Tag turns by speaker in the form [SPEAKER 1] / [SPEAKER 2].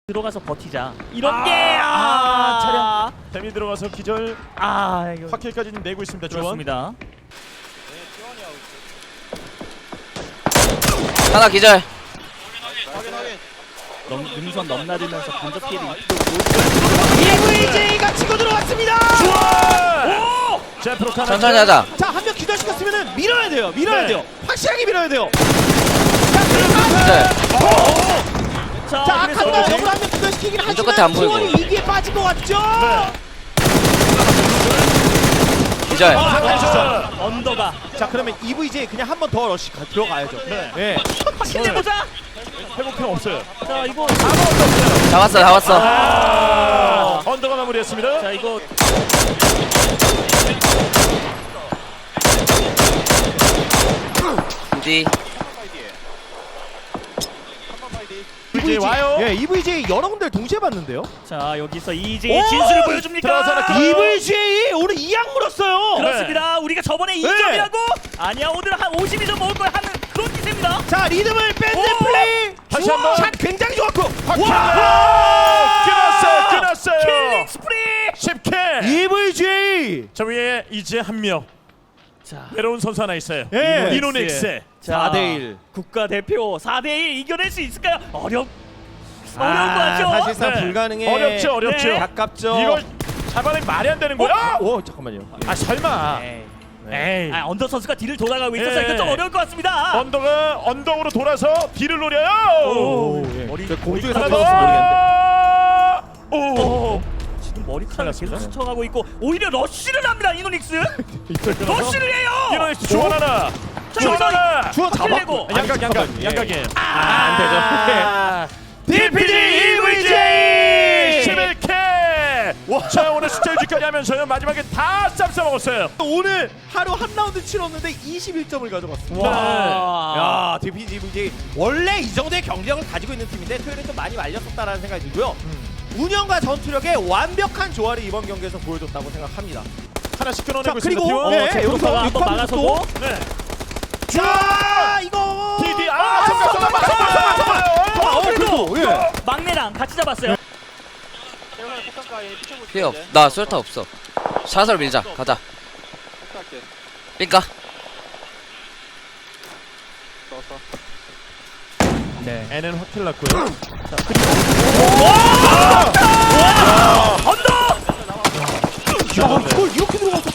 [SPEAKER 1] 들어가서 버티자. 이런 게
[SPEAKER 2] 차량 댐이 들어가서 기절.
[SPEAKER 1] 이거
[SPEAKER 2] 확킬까지는 내고 있습니다. 주원.
[SPEAKER 1] 그렇습니다.
[SPEAKER 3] 하나 기절.
[SPEAKER 1] 능선 넘나들면서 간접 피해를 입히고
[SPEAKER 4] EVJ가 치고 들어왔습니다.
[SPEAKER 2] 주원. 자, 프로카나.
[SPEAKER 3] 천천히 하자.
[SPEAKER 4] 자, 한 명 기절시켰으면은 밀어야 돼요. 밀어야
[SPEAKER 2] 네.
[SPEAKER 4] 돼요. 확실하게 밀어야 돼요.
[SPEAKER 3] 기절.
[SPEAKER 4] 자,
[SPEAKER 1] 그래서
[SPEAKER 4] 아칸다 역으로 한 명 기절시키긴
[SPEAKER 3] 왼쪽 끝에
[SPEAKER 4] 하지만
[SPEAKER 3] 안 보이고.
[SPEAKER 4] 지원이 위기에 빠진 것 같죠?
[SPEAKER 3] 기절.
[SPEAKER 1] 언더가
[SPEAKER 4] 자, 그러면 EVJ 그냥 한 번 더 러시 들어가야죠.
[SPEAKER 2] 네.
[SPEAKER 4] 네.
[SPEAKER 1] 확실히 내보자.
[SPEAKER 2] 회복형 없어요.
[SPEAKER 1] 자 이거
[SPEAKER 3] 잡았어.
[SPEAKER 2] 언더가 마무리했습니다.
[SPEAKER 1] 자 이거
[SPEAKER 3] 뒤.
[SPEAKER 2] 이제 와요.
[SPEAKER 4] 예, EVJ 여러 군데를 동시에 봤는데요.
[SPEAKER 1] 자 여기서 이제 진수를 보여줍니까?
[SPEAKER 2] 들어가서
[SPEAKER 4] EVJ 오늘 2약 물었어요.
[SPEAKER 1] 그렇습니다. 우리가 저번에 2점이라고? 아니야 오늘 한 52점 먹을 거야 하는 그런 기세입니다.
[SPEAKER 4] 자, 리듬을 밴드
[SPEAKER 1] 오!
[SPEAKER 4] 플레이.
[SPEAKER 2] 다시 한 번.
[SPEAKER 4] 샷 굉장히 좋았고.
[SPEAKER 2] 끊었어요.
[SPEAKER 1] 킬링 스프리.
[SPEAKER 2] 10킬.
[SPEAKER 4] EVJ.
[SPEAKER 2] 저 위에 이제 한 명.
[SPEAKER 1] 자
[SPEAKER 2] 새로운 선수 하나 있어요.
[SPEAKER 4] 예.
[SPEAKER 2] 이노닉스.
[SPEAKER 4] 4대1.
[SPEAKER 1] 국가대표 4대1 이겨낼 수 있을까요? 어려운 거 같죠?
[SPEAKER 4] 사실상
[SPEAKER 2] 네.
[SPEAKER 4] 불가능해.
[SPEAKER 2] 어렵죠.
[SPEAKER 1] 네.
[SPEAKER 4] 가깝죠.
[SPEAKER 2] 이걸 잡아내기 말이 안 되는 거야.
[SPEAKER 4] 오, 잠깐만요.
[SPEAKER 2] 설마. 에이.
[SPEAKER 1] 언더 선수가 뒤를 돌아가고 있어서
[SPEAKER 2] 예.
[SPEAKER 1] 이거 좀 어려울 것 같습니다.
[SPEAKER 2] 언더가 언덕으로 돌아서 뒤를 노려요.
[SPEAKER 4] 오, 예.
[SPEAKER 1] 머리
[SPEAKER 4] 공중에서
[SPEAKER 2] 하나
[SPEAKER 4] 들어서 모르겠는데.
[SPEAKER 2] 더. 오.
[SPEAKER 1] 지금 머리카락을 계속
[SPEAKER 2] 살렸습니다.
[SPEAKER 1] 스쳐가고 있고 오히려 러쉬를 합니다 이노닉스. 러쉬를 해요.
[SPEAKER 2] 이노닉스 주원 하나.
[SPEAKER 1] 자,
[SPEAKER 2] 주원 하나.
[SPEAKER 4] 주원
[SPEAKER 1] 확실히
[SPEAKER 4] 잡았고.
[SPEAKER 1] 내고.
[SPEAKER 2] 양각이에요.
[SPEAKER 4] 안 되죠.
[SPEAKER 2] DPG EVJ 11K. 자 오늘 숫자 유지까지 하면서요 마지막에 다 쌈싸 먹었어요.
[SPEAKER 4] 오늘 하루 한 라운드 치렀는데 21점을 가져갔습니다.
[SPEAKER 1] 와.
[SPEAKER 4] 야, DPG 원래 이 정도의 경쟁력을 가지고 있는 팀인데 토요일에 좀 많이 말렸었다라는 생각이 들고요. 운영과 전투력의 완벽한 조화를 이번 경기에서 보여줬다고 생각합니다.
[SPEAKER 2] 하나씩
[SPEAKER 4] 자,
[SPEAKER 2] 끊어내고
[SPEAKER 4] 그리고
[SPEAKER 2] 있습니다.
[SPEAKER 4] 네,
[SPEAKER 1] 자,
[SPEAKER 4] 여기서
[SPEAKER 1] 프로파가 한번
[SPEAKER 4] 육합
[SPEAKER 1] 막아서고.
[SPEAKER 2] 네.
[SPEAKER 4] 자, 이거
[SPEAKER 2] DD
[SPEAKER 1] 그래도
[SPEAKER 4] 그래도 예.
[SPEAKER 1] 막내랑 같이 잡았어요.
[SPEAKER 3] 피해 없. 나 수류탄 없어. 샷을 밀자. 가자. 삥까.
[SPEAKER 1] 네.
[SPEAKER 2] N은 확킬 났고요.
[SPEAKER 1] 언더.
[SPEAKER 4] 야, 이걸 이렇게 들어갔어.